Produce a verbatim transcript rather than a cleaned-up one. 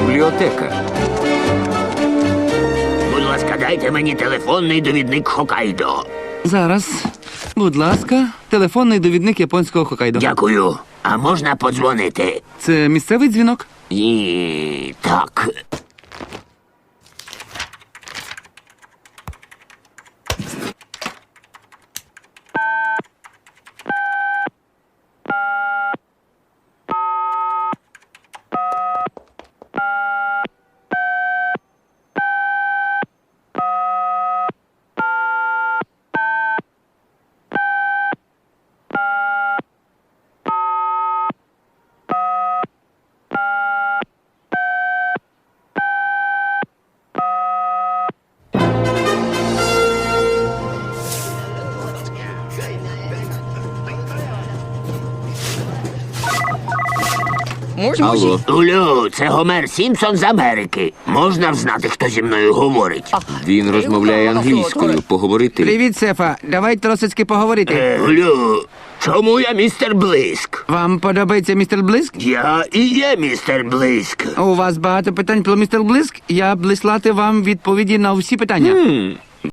Бібліотека. Будь ласка, дайте мені телефонний довідник Хокайдо. Зараз. Будь ласка, телефонний довідник японського Хокайдо. Дякую. А можна подзвонити? Це місцевий дзвінок? І... так. Алло. Улю, це Гомер Сімпсон з Америки. Можна взнати, хто зі мною говорить? Він розмовляє англійською. Поговорити. Привіт, Сефа. Давай тросицьки поговорити. Е, Улю, чому я містер Блиск? Вам подобається містер Блиск? Я і є містер Блиск. У вас багато питань про містер Блиск. Я б лислати вам відповіді на всі питання. М,